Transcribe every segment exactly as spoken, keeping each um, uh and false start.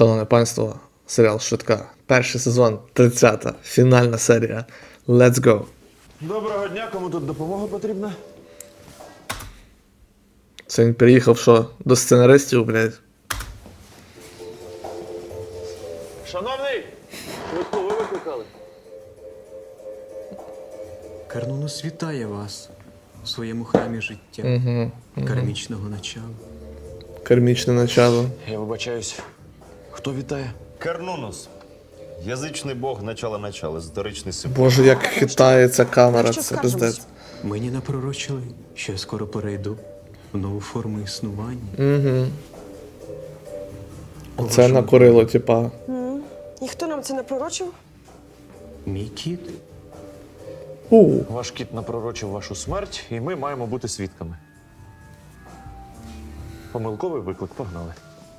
Шановне панство, серіал «Швидка». Перший сезон, тридцята, фінальна серія. Let's go! Доброго дня, кому тут допомога потрібна? Це він приїхав, що, до сценаристів, блядь. Шановний! Швидку ви викликали? Карнунос вітає вас у своєму храмі життя, Угу, угу. кармічного начала. Кармічне начало. Я вибачаюсь. Хто вітає? Кернунос. Язичний бог начала-начала, історичний символ. Боже, як хитається камера, Що це скажемо? пиздець. Мені напророчили, що я скоро перейду в нову форму існування. Угу. У Це вашому накурило, типа. Ніхто нам це не пророчив? Мій кіт. У. Ваш кіт напророчив вашу смерть, і ми маємо бути свідками. Помилковий виклик, погнали.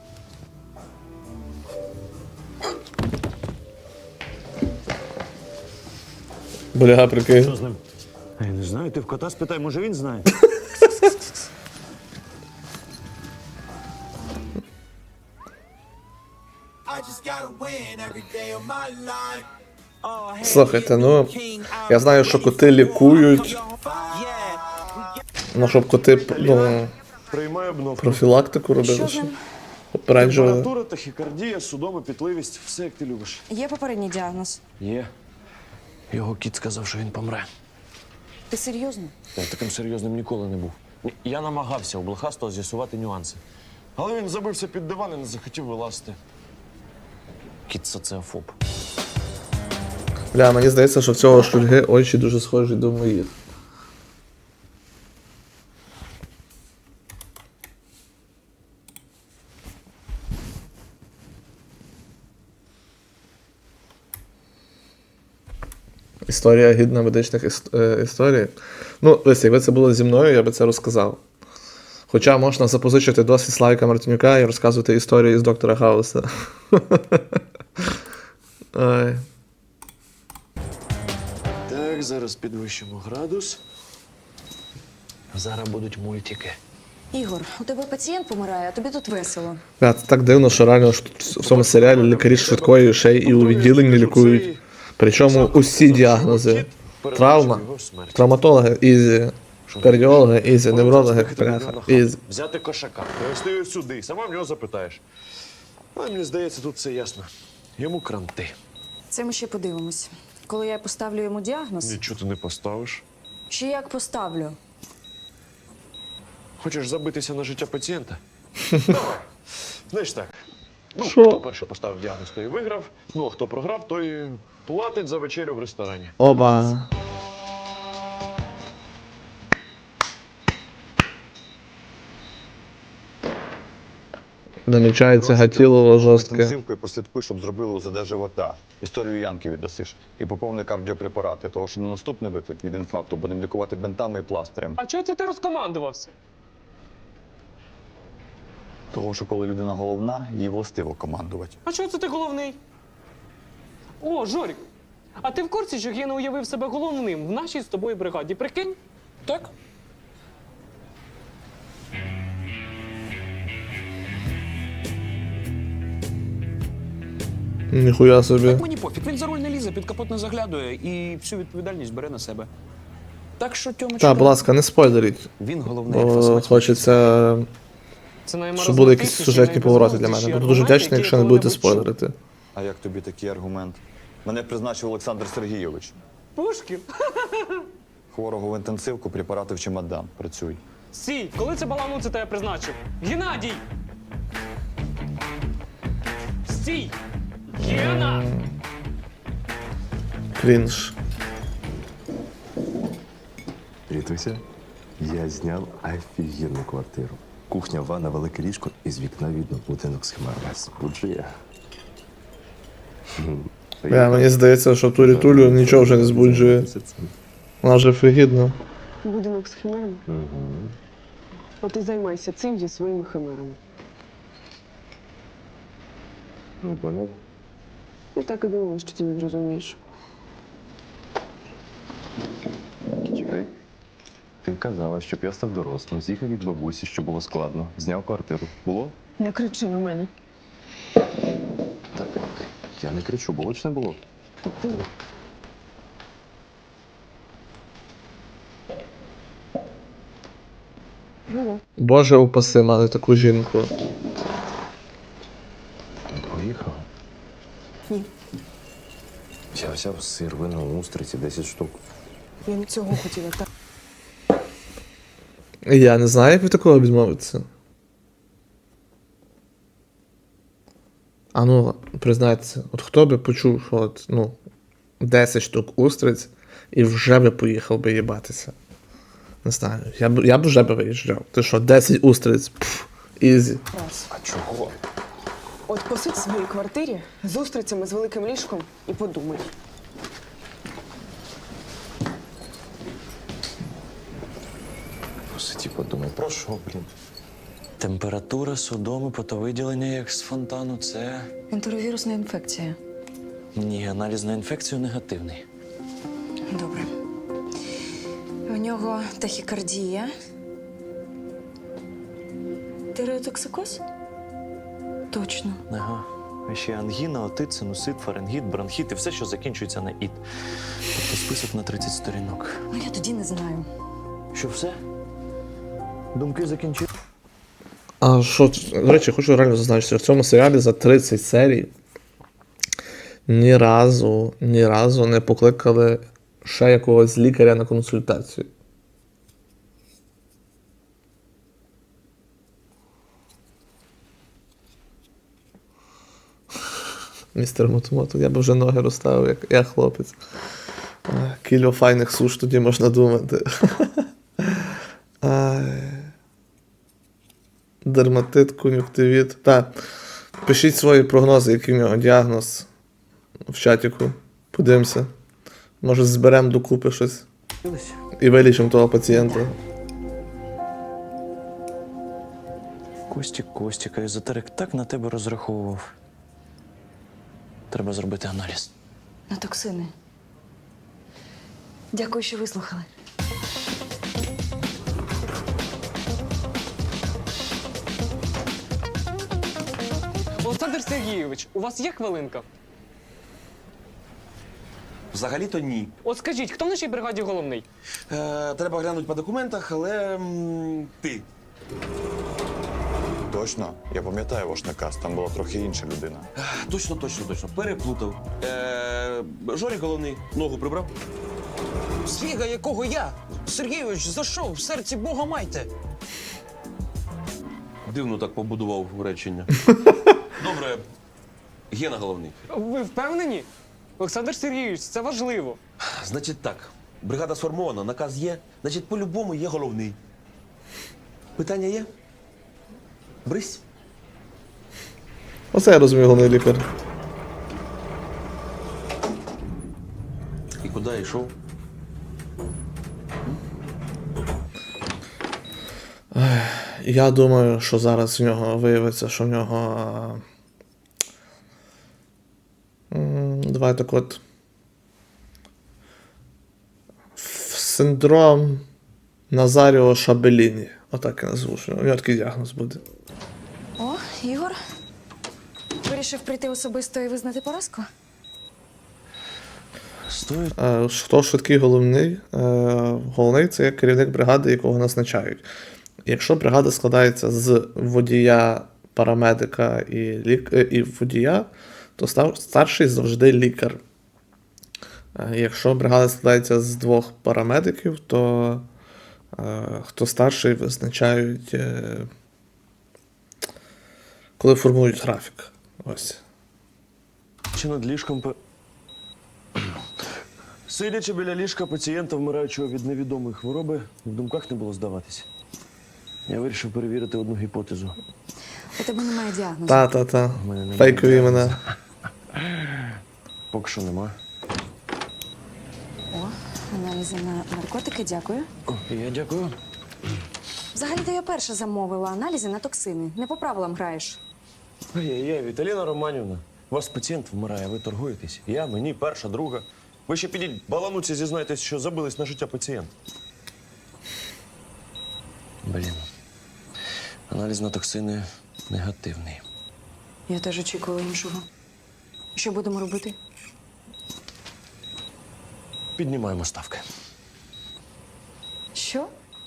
Бля, прикинь. Що з ним? Я не знаю, ти в кота спитай, може він знає? Слухайте, ну, я знаю, що коти лікують. Ну, щоб коти, ну, Приймай обновку. профілактику робили, Що з що ним? попереджували. Температура, тахікардія, судома, пітливість, все як ти любиш. Є попередній діагноз. Є. Його кіт сказав, що він помре. Ти серйозно? Я таким серйозним ніколи не був. Я намагався у блохастого з'ясувати нюанси. Але він забився під диван і не захотів вилазити. Кіт соціофоб. Бля, мені здається, що в цього шульги очі дуже схожі до моїх. Історія гідна медичних іс- е, історій. Ну, дивись, якби це було зі мною, я би це розказав. Хоча можна запозичити досвід Славіка Мартинюка і розказувати історії з доктора Хауса. Ай. Так, зараз підвищимо градус. Зараз будуть мультики. Ігор, у тебе пацієнт помирає, а тобі тут весело. Бля, це так дивно, що реально ж тут в цьому серіалі лікарі швидкої ще й у відділенні лікують. Причому усі діагнози. Травма, травматологи, ізі, кардіологи, ізі, неврологи, бляха, ізі. Взяти кошака, привезти його сюди, сама в нього запитаєш. А мені здається, тут все ясно. Йому кранти. Це ми ще подивимось. Коли я поставлю йому діагноз, Нічого ти не поставиш. чи як поставлю? Хочеш забитися на життя пацієнта? Давай. Знаєш так. Ну, Що? хто перший поставив діагноз, той і виграв. Ну, а хто програв, той платить за вечерю в ресторані. Оба. Намічається гатілово жорстке. Інтенсивкою прослідкуй, щоб зробили УЗД живота. Історію Янки віддасиш. І поповни кардіопрепарати, того що на наступний виклик від інфаркту будемо лікувати бинтами і пластирем. А чого це ти розкомандувався? Того, що коли людина головна, їй властиво командувати. А чого це ти головний? О, Жорік, а ти в курсі, що Гена уявив себе головним в нашій з тобою бригаді? Прикинь? Так? Ніхуя собі. Так мені пофіг, він за руль не лізе, під капот не заглядує і всю відповідальність бере на себе. Так що, Тьомочка, Так, будь ласка, не спойлеріть. він головний Бо альфа-самець. хочеться, Це щоб були якісь сюжетні повороти для мене. Буду дуже вдячний, якщо не будете спойлерити. А як тобі такий аргумент? Мене призначив Олександр Сергійович. Пушків? Хворого в інтенсивку, препарати в чемодан. Працюй. Стій, коли це балану це тебе призначив? Геннадій! Стій! Гена! Крінж. Рітуся, я зняв офігенну квартиру. Кухня, ванна, велике ліжко і з вікна видно будинок з хмарами. Збуджує. Бля, мені здається, що ту рітулю нічого вже не збуджує. Вона вже фригідна. Будинок з химерами? Угу. От і займайся цим зі своїми химерами. Ну, понял. Я так і думала, що ти не зрозумієш. Чекай. Ти казала, щоб я став дорослим, з'їхав від бабусі, що було складно. Зняв квартиру. Було? Не кричи на мене. Я не кричу, болоч не було. Боже упаси, мати таку жінку. Поїхав. Ні. Я взяв сир, вино, устриці, десять штук. Я не цього хотіла. Так. Я не знаю, як від такого відмовитися. А ну, признайтеся, от хто би почув, що от, ну, десять штук устриць і вже би поїхав би їбатися. Не знаю, я б, я б вже би виїжджав. Ти що, десять устриць? Пф, ізі. Раз. А чого? От посидь в своїй квартирі з устрицями з великим ліжком і подумай. Посиді, подумай, про що, блін? Температура, судоми, потовиділення, як з фонтану, це. Ентеровірусна інфекція. Ні, аналіз на інфекцію негативний. Добре. У нього тахікардія. Тиреотоксикоз? Точно. Ага. А ще ангіна, отит, синусит, фарингіт, бронхіт і все, що закінчується на іт. Тобто список на тридцять сторінок. Ну я тоді не знаю. Що все? Думки закінчили? А що, до речі, хочу реально зазначити, що в цьому серіалі за тридцять серій ні разу, ні разу не покликали ще якогось лікаря на консультацію. Містер Мотомото, я б вже ноги розставив, як я хлопець. Ах, кілька файних суш тоді можна думати. Ай. Дерматит, кон'юктивіт. Так. Пишіть свої прогнози, який в нього діагноз в чатіку. Подивимося. Може, зберемо докупи щось. І вилічимо того пацієнта. Костік, Костік, а езотерик так на тебе розраховував. Треба зробити аналіз. На токсини. Дякую, що вислухали. Олександр Сергійович, у вас є хвилинка? Взагалі-то ні. От скажіть, хто в нашій бригаді головний? Е, треба глянути по документах, але м, ти. Точно, я пам'ятаю ваш наказ, там була трохи інша людина. Точно, точно, точно. Переплутав. Е, Жорі головний ногу прибрав. Свіга, якого я? Сергійович, за що? В серці Бога майте. Дивно так побудував речення. Добре. Гена головний. Ви впевнені? Олександр Сергійович, це важливо. Значить так, бригада сформована, наказ є, значить, по-любому є головний. Питання є? Брись. Оце я розумію, головний лікар. І куди йшов? Я думаю, що зараз в нього виявиться, що в нього. м, Давай так от. Синдром Назаріо Шабеліні. Отак я назву. що У нього такий діагноз буде. О, Ігор. Вирішив прийти особисто і визнати поразку? Стоїть. Е, Хто швидкий головний? Е, Головний це є керівник бригади, якого назначають. Якщо бригада складається з водія, парамедика і, лік... е, і водія, то стар... старший завжди лікар. Е, Якщо бригада складається з двох парамедиків, то е, хто старший визначають, е, коли формують графік. Ось. Чи над ліжком пе... Сидячи біля ліжка пацієнта, вмираючого від невідомої хвороби, в думках не було здаватися. Я вирішив перевірити одну гіпотезу. У тебе немає діагнозу. Та-та-та. У мене немає Фейкові діагнозу. імена. Поки що нема. О, аналізи на наркотики, дякую. О, я дякую. Взагалі-то я перша замовила аналізи на токсини. Не по правилам граєш. Ай-яй-яй, Віталіна Романівна, у вас пацієнт вмирає, ви торгуєтесь. Я, мені, перша, друга. Ви ще підіть балануться, зізнайтесь, що забились на життя пацієнта. Блін. Аналіз на токсини негативний. Я теж очікувала іншого. Що будемо робити? Піднімаємо ставки. Що?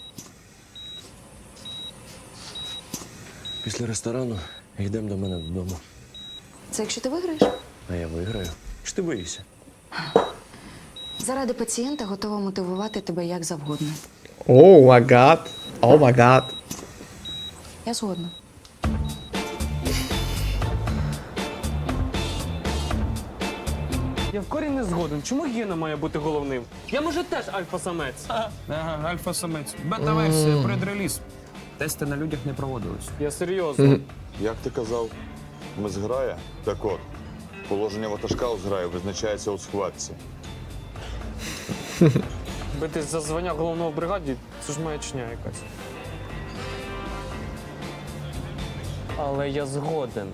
Після ресторану йдемо до мене додому. Це якщо ти виграєш? А я виграю. Чи ти боїшся? Заради пацієнта готова мотивувати тебе як завгодно. О, май гад. О, май гад. Я згодна. Я в корінь не згоден. Чому Гена має бути головним? Я, може, теж альфа-самець. Ага, альфа-самець. Бета-версія, предреліз. Тести на людях не проводились. Я серйозно. Як ти казав, ми зграя? Так от, положення ватажка у зграї визначається у схватці. Битись за звання головного в бригаді – це ж маячня якась. Але я згоден.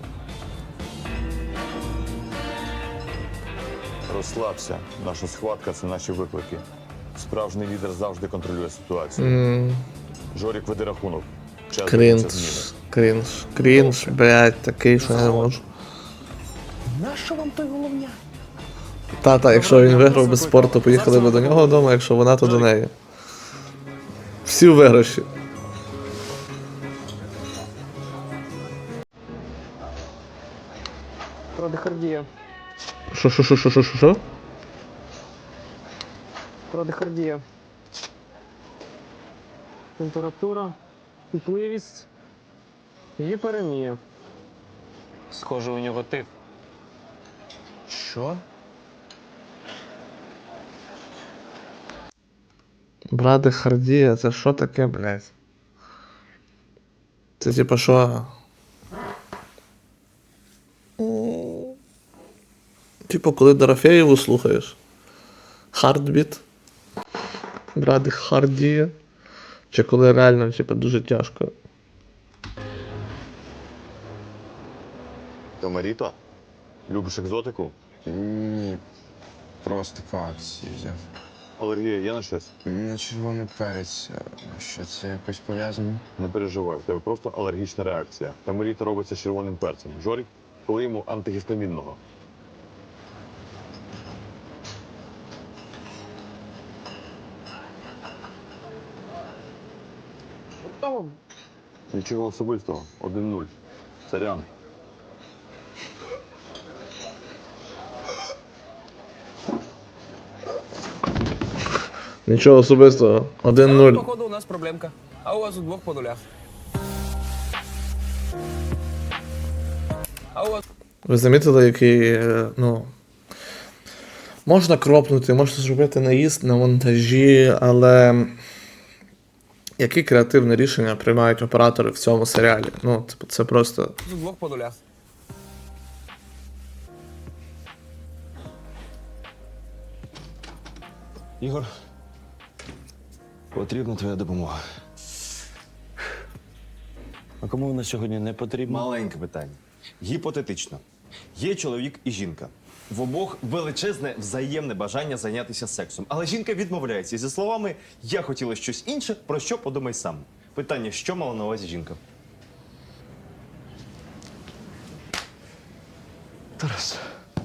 Розслабся. Наша схватка – це наші виклики. Справжній лідер завжди контролює ситуацію. М, Жорік, веди рахунок. Час дивиться зміни. Крінж. Крінж. Крінж, блядь, такий, що я не можу. Нащо вам той головня? Та-та, якщо він виграв без спорту, поїхали би до нього вдома, якщо вона, то до неї. Всі у виграші. Традихардія. Що, що, що, що, що, що, що? Традихардія. Температура, пітливість, гіперемія. Схоже, у нього тиф. Що? Брадихардія, це що таке, блядь? Це типа що? М, Типу, коли Дорофеєву слухаєш. Хардбіт. Брадихардія. Чи коли реально, типа, дуже тяжко. Томаріто? Любиш екзотику? Ні, просто по акції взяв. Алергія є на щось? На червоний перець. Що це якось пов'язано? Не переживай, в тебе просто алергічна реакція. Тамаріта робиться з червоним перцем. Жорік, коли йому антигістамінного. Нічого особистого. один нуль. Сорян. Нічого особистого. один Але, нуль. походу, у нас проблемка. А у вас удвох по нулях. А у вас Ви замітили, який, е, ну. Можна кропнути, можна зробити наїзд на монтажі, але. Які креативні рішення приймають оператори в цьому серіалі? Ну, типу, це просто. удвох по нулях. Ігор, потрібна твоя допомога. А кому вона сьогодні не потрібна? Маленьке питання. Гіпотетично. Є чоловік і жінка. В обох величезне взаємне бажання зайнятися сексом. Але жінка відмовляється зі словами «я хотіла щось інше, про що подумай сам». Питання, що мала на увазі жінка? Тарас,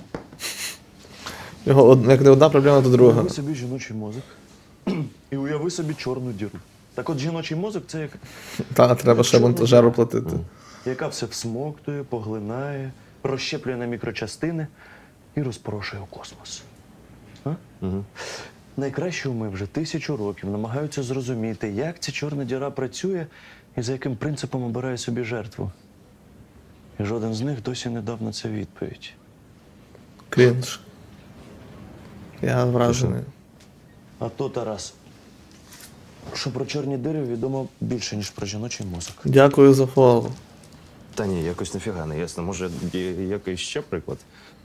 Його од- як не одна проблема, то друга. Уяви собі жіночий мозок і уяви собі чорну діру. Так от жіночий мозок це як Та, треба ще монтажеру платити. яка все всмоктує, поглинає, розщеплює на мікрочастини і розпорошує у космос. А? Угу. Найкраще уми вже тисячу років намагаються зрозуміти, як ця чорна діра працює і за яким принципом обирає собі жертву. І жоден з них досі не дав на це відповідь. Крінж. Я вражений. А то, Тарас, що про чорні дири відомо більше, ніж про жіночий мозок. Дякую за фоллоу. Та ні, якось нафіга не ясно. Може, є якийсь ще приклад?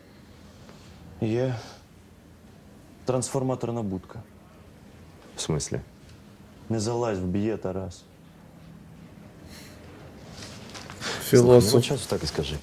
Є трансформаторна будка. В смислі? Не залазь, вб'є, Тарас. Філософ. Нема часу, так і скажи.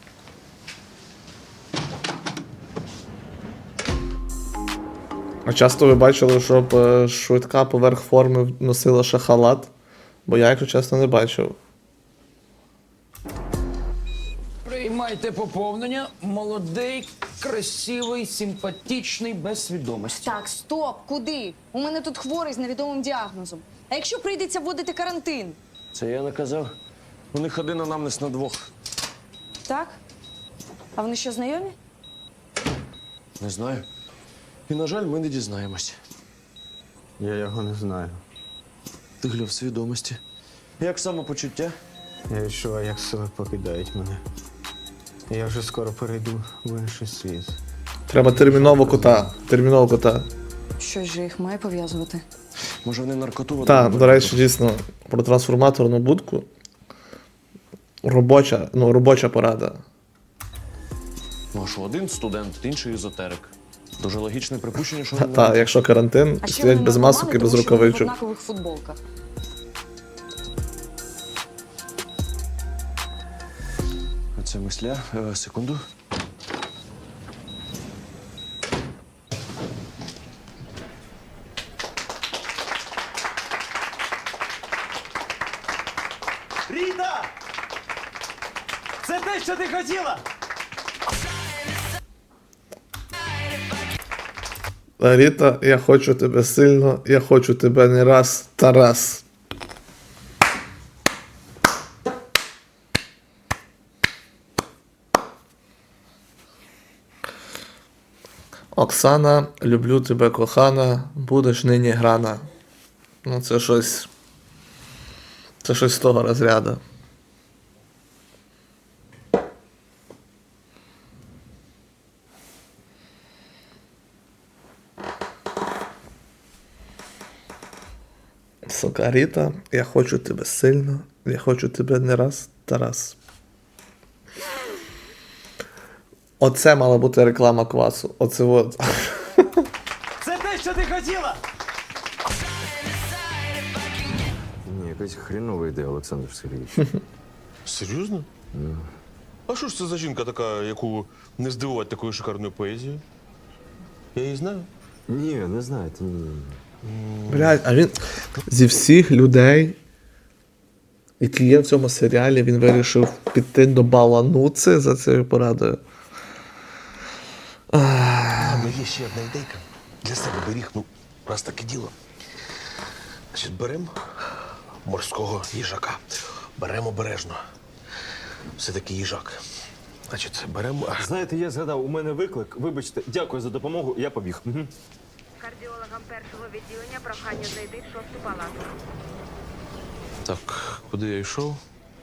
А часто ви бачили, щоб е, швидка поверх форми носила ще халат? Бо я, якщо чесно, не бачив. приймайте поповнення. Молодий красивий, симпатичний, без свідомості. Так, стоп, куди? У мене тут хворий з невідомим діагнозом. А якщо прийдеться вводити карантин? Це я наказав. У них один анамнез на двох. Так? А вони що, знайомі? Не знаю. І, на жаль, ми не дізнаємось. Я його не знаю. Ти гля в свідомості. Як самопочуття? Я відчуваю, як сили покидають мене. Я вже скоро перейду в інший світ. Треба терміново кота. Терміново кота. Щось же їх має пов'язувати. Може, вони наркоту Так, до речі, дійсно, про трансформаторну будку. Робоча, ну, робоча порада. Ну, а що, один студент, інший езотерик. Дуже логічне припущення, що вони Так, якщо карантин, А ще стоять вони без наркомани, масок і без тому що вони в рукавичок. однакових футболках. Це мисля. Е, секунду. Ріта! Це те, що ти хотіла! Ріта, я хочу тебе сильно, я хочу тебе не раз, Тарас. Оксана, люблю тебе, кохана, будеш нині грана. Ну, це щось. Це щось з того розряду. Сука, Ріта, я хочу тебе сильно, я хочу тебе не раз, Тарас. Оце мала бути реклама квасу. Оце от. Це те, що ти хотіла! Ні, якась хрінова ідея, Олександр Сергійович. Серйозно? А що ж це за жінка така, яку не здивувати такою шикарною поезією? Я її знаю. Ні, не знаєте, ні, ні. Блядь, а він зі всіх людей, які є в цьому серіалі, він вирішив піти до Балануци за цією порадою. А ну є ще одна ідейка. Для себе беріг, ну, раз таке діло. Значить, беремо морського їжака. Беремо обережно. Все-таки їжак. Значить, беремо. Знаєте, я згадав, у мене виклик. Вибачте, дякую за допомогу, я побіг. Угу. Кардіологам першого відділення прохання зайти в шосту палату. Так, куди я йшов?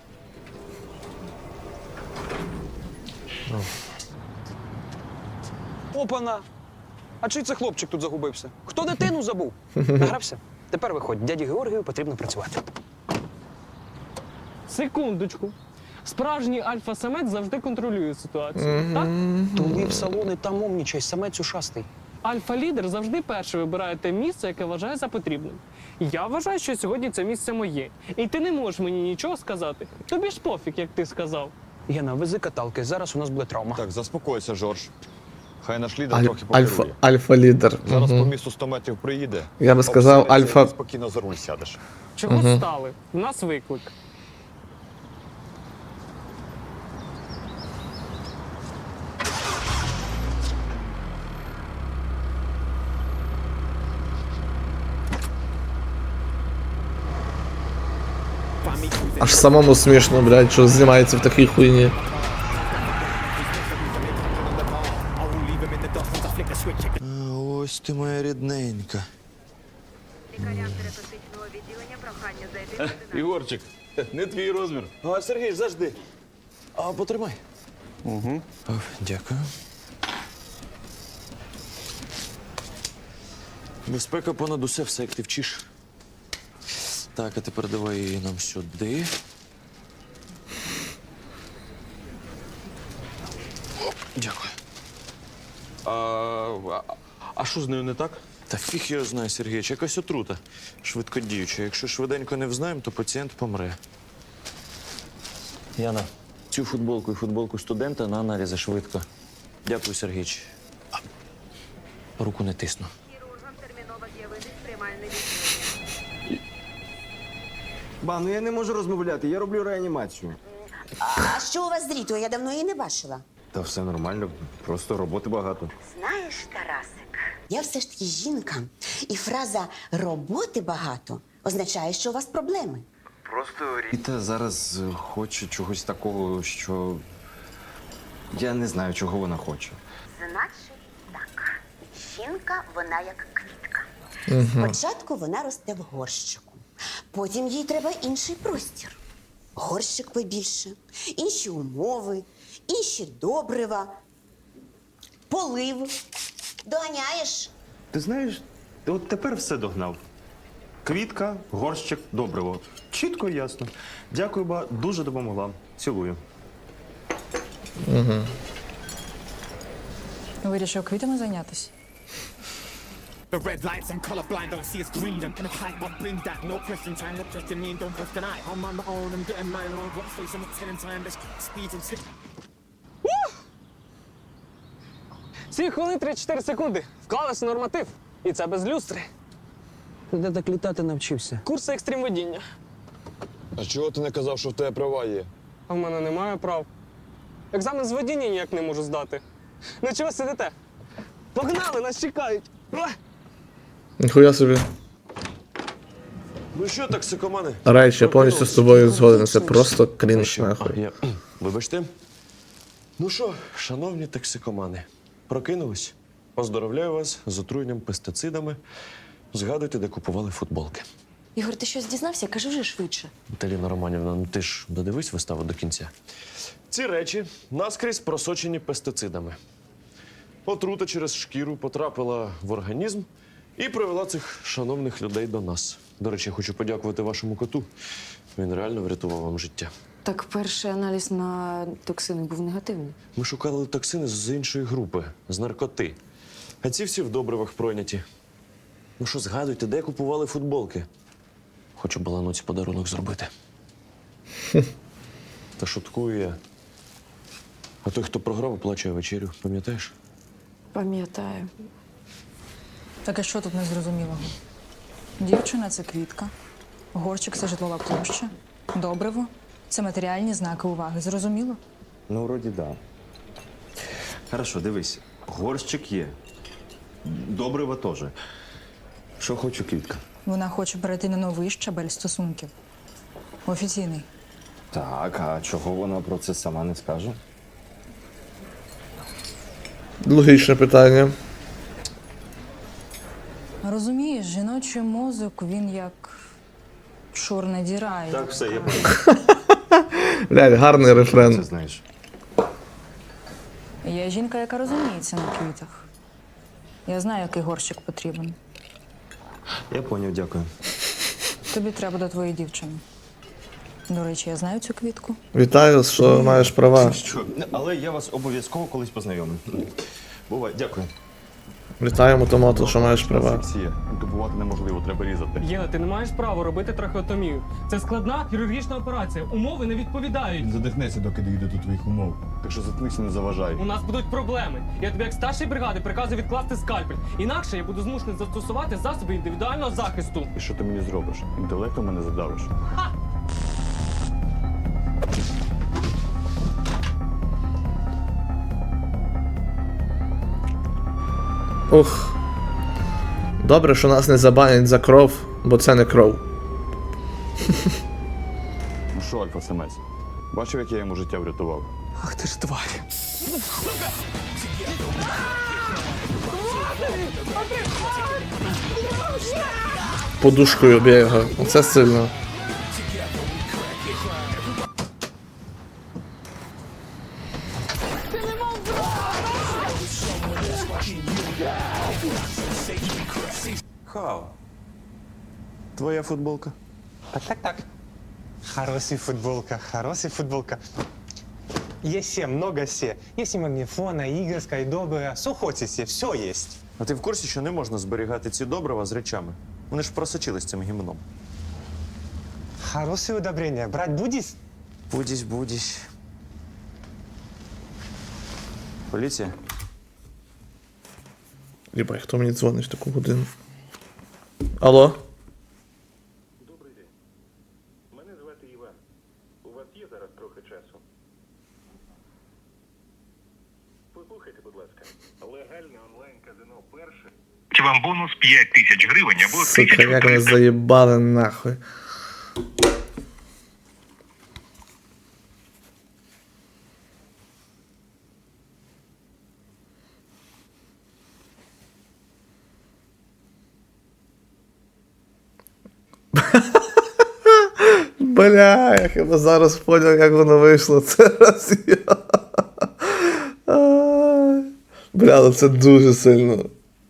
Опана! А чий це хлопчик тут загубився? Хто дитину забув? Награвся? Тепер виходь, дяді Георгію потрібно працювати. Секундочку. Справжній альфа-самець завжди контролює ситуацію, так? Туди в салони там умнічай, самець ушастий. Альфа-лідер завжди перший вибирає те місце, яке вважає за потрібним. Я вважаю, що сьогодні це місце моє. І ти не можеш мені нічого сказати. Тобі ж пофіг, як ти сказав. Гена, вези каталки, зараз у нас буде травма. Так, заспокойся, Жорж. Хай наш лідер Аль- трохи альфа, покерує. альфа-лідер. Зараз Мгм. по місту сто метрів приїде. Я би сказав, обсидиться, альфа- і спокійно за руль сядеш. Чого Мгм. стали? У нас виклик. Аж самому смішно, блядь, що знімається в такій хуйні. Ось ти моя рідненька. Лікарям терапевтичного відділення прохання зайти в одинадцяту. Ігорчик, не твій розмір. А, Сергій, завжди. А, потримай. Угу. Дякую. Безпека понад усе, все, як ти вчиш. Так, а тепер давай її нам сюди. Оп, дякую. А, а, а що з нею не так? Та фіг його знає, Сергійович, якась отрута. Швидкодіюча. Якщо швиденько не взнаємо, то пацієнт помре. Яна, цю футболку і футболку студента на аналізи швидко. Дякую, Сергійович. А, руку не тисну. Хірургам терміново з'явитись в приймальне відділення. Ба, ну я не можу розмовляти, я роблю реанімацію. А що у вас з Рітою? Я давно її не бачила. Та все нормально, просто роботи багато. Знаєш, Тарасик, я все ж таки жінка, і фраза «роботи багато» означає, що у вас проблеми. Просто Ріта зараз е, хоче чогось такого, що я не знаю, чого вона хоче. Значить так, жінка, вона як квітка. Угу. Спочатку вона росте в горщику, потім їй треба інший простір. Горщик побільше, інші умови, інші добрива, полив. Доганяєш? Ти знаєш, ти от тепер все догнав. Квітка, горщик, добриво. Чітко і ясно. Дякую, ба, дуже допомогла. Цілую. Угу. Вирішив квітами зайнятися? The red lights, I'm colorblind, don't see it's green. I'm in a fight, what brings that? No question, time to question me, don't question I. I'm on my own, I'm getting mine on. What's face, I'm telling time, let's speed and slip. Сім хвилин тридцять чотири секунди. Вклалися в норматив. І це без люстри. Де так літати навчився? Курси екстрим водіння. А чого ти не казав, що в тебе права є? А в мене немає прав. Екзамен з водіння ніяк не можу здати. Ну чого сидите? Погнали, нас чекають. Уа! Ніхуя собі. Ну що, токсикомани? Райч, я повністю з тобою згоден. Це просто крінж, нахуй. Я... Вибачте. Ну що, шановні токсикомани, прокинулись? Поздоровляю вас з отруєнням пестицидами. Згадуйте, де купували футболки. Ігор, ти щось дізнався? Кажи вже швидше. Таліна Романівна, ну ти ж додивись виставу до кінця. Ці речі наскрізь просочені пестицидами. Отрута через шкіру потрапила в організм і привела цих шановних людей до нас. До речі, я хочу подякувати вашому коту. Він реально врятував вам життя. Так перший аналіз на токсини був негативний. Ми шукали токсини з іншої групи, з наркоти. А ці всі в добривах пройняті. Ну що, згадуйте, де купували футболки? Хочу балануці подарунок зробити. Та шуткую я. А той, хто програв, оплачує вечерю, пам'ятаєш? Пам'ятаю. Так а що тут незрозумілого? Дівчина – це квітка, горщик – це житлова площа, добриво – це матеріальні знаки уваги. Зрозуміло? Ну, вроді, да. Хорошо, дивись. Горщик є. Добриво теж. Що хоче квітка? Вона хоче перейти на новий щабель стосунків. Офіційний. Так, а чого вона про це сама не скаже? Логічне питання. Розумієш, жіночий мозок, він як чорна діра. Так, все, я Блядь, гарний рефрен. це знаєш. Я жінка, яка розуміється на квітах. Я знаю, який горщик потрібен. Я поняв, дякую. Тобі треба до твоєї дівчини. До речі, я знаю цю квітку. Вітаю, що маєш права. Що? Але я вас обов'язково колись познайомлю. Бувай, дякую. Вітаємо, Томато, що маєш права. Сексія. Інтубувати неможливо, треба різати. Єна, ти не маєш права робити трахеотомію. Це складна хірургічна операція. Умови не відповідають. Задихнеться, доки дійде до твоїх умов. Так що заткнися, не заважай. У нас будуть проблеми. Я тобі як старший бригади приказую відкласти скальпель. Інакше я буду змушений застосувати засоби індивідуального захисту. І що ти мені зробиш? Інтелектом мене задавиш. Ух. Добре, що нас не забанять за кров, бо це не кров. Ну що, альфа-самець? Бачив, як я йому життя врятував? Ах ти ж тварь. Подушкою бігав. Оце сильно. Хау. Твоя футболка. Так, так, так. Хорошая футболка, хорошая футболка. Есть все, много все. Есть и магнифона, и игр, скайдобера. Что хотите, все есть. А ти в курсі, що не можна зберігати ці добрива з речами? Вони ж просочились цим гімном. Хорошее удобрение. Брать будешь? Будісь, будісь. Поліція? Єбай, хто мені дзвонить в таку годину? Алло? Добрий день. Мене звати Іван. У вас є зараз трохи часу? будь ласка. Легальне онлайн-казино перше. Чи вам бонус п'ять тисяч гривень або Сука, як вони заїбали нахуй. Бля, я хіба зараз поняв, як воно вийшло. Це раз я. Ай. Бля, ну це дуже сильно.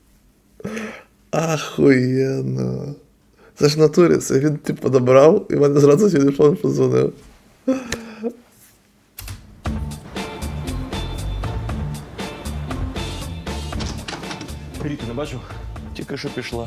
Ахуєнно. Це ж в натурі, це він типу добрав і в мене зразу телефон подзвонив. Ріку не бачив? Тільки що пішла.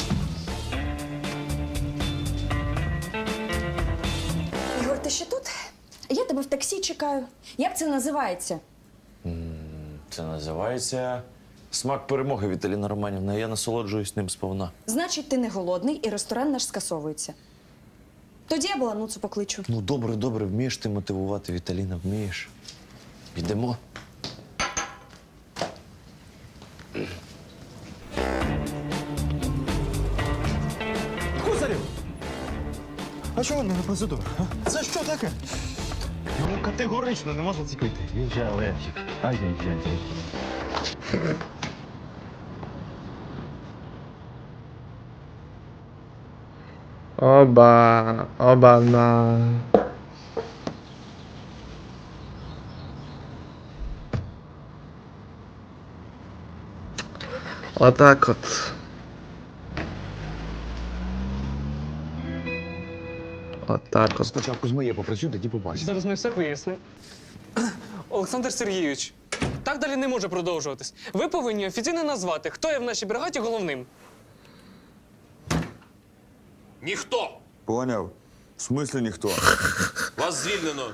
Ігор, ти ще тут? Я тебе в таксі чекаю. Як це називається? Це називається смак перемоги, Віталіна Романівна. Я насолоджуюсь ним сповна. Значить, ти не голодний і ресторан наш скасовується. Тоді я балануцу покличу. Ну, добре, добре, вмієш ти мотивувати, Віталіна, вмієш. Йдемо. Кузарів! А чого не на процедуру? Це що таке? Йому категорично не можна це пити. Він же алергік. Ай-яй-яй. Оба, оба на. Отак от. Отак от. Спочатку з моєю попрацюю, тоді побачиш. Зараз ми все пояснимо. Олександр Сергійович, так далі не може продовжуватись. Ви повинні офіційно назвати, хто є в нашій бригаді головним. Ніхто! Поняв. В смислі ніхто? Вас звільнено.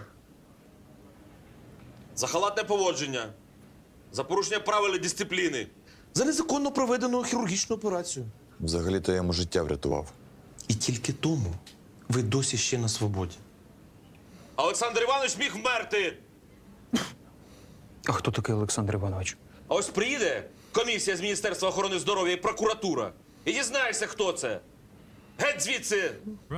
За халатне поводження. За порушення правил і дисципліни. За незаконно проведену хірургічну операцію. Взагалі-то я йому життя врятував. І тільки тому ви досі ще на свободі. А Олександр Іванович міг вмерти. А хто такий Олександр Іванович? А ось приїде комісія з Міністерства охорони здоров'я і прокуратура. І дізнаєшся, хто це. Геть звідси!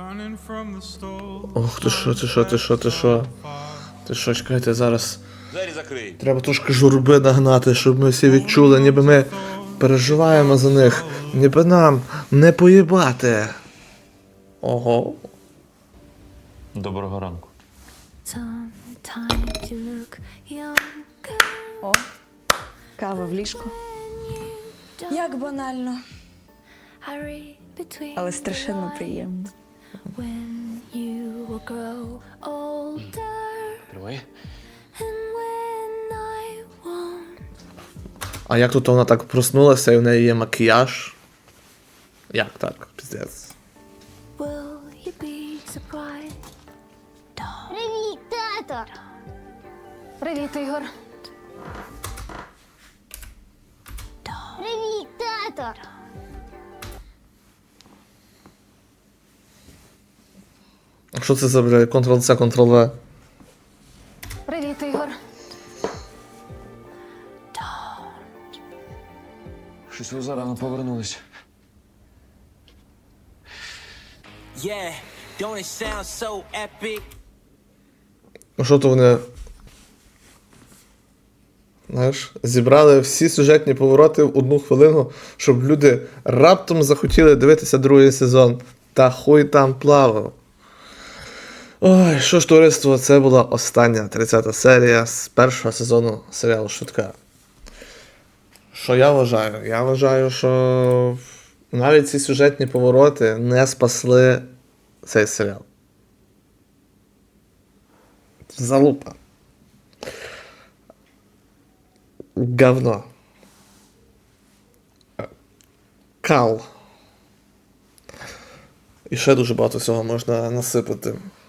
Ох, ти що, ти що, ти що, ти що? Ти що, чекайте, зараз. Двері закрий. Треба трошки журби нагнати, щоб ми всі відчули, ніби ми переживаємо за них, ніби нам не поїбати. Ого. Доброго ранку. О, кава в ліжку. Як банально. Але страшенно приємно. Тримай. А як тут вона так проснулася і в неї є макіяж? Як так? Піздець. Привіт, тато! Привіт, Ігор. Привіт, тато! А що це за, бля, контрол-С, контрол-В? Привіт, Ігор. Щось ви зарано повернулись. Yeah, don't it sound so epic? Ну що то вони. Знаєш, зібрали всі сюжетні повороти в одну хвилину, щоб люди раптом захотіли дивитися другий сезон. Та хуй там плавав. Ой, що ж, товариство, це була остання тридцята серія з першого сезону серіалу Шутка. Що я вважаю? Я вважаю, що навіть ці сюжетні повороти не спасли цей серіал. Залупа. Говно. Кал. І ще дуже багато всього можна насипати.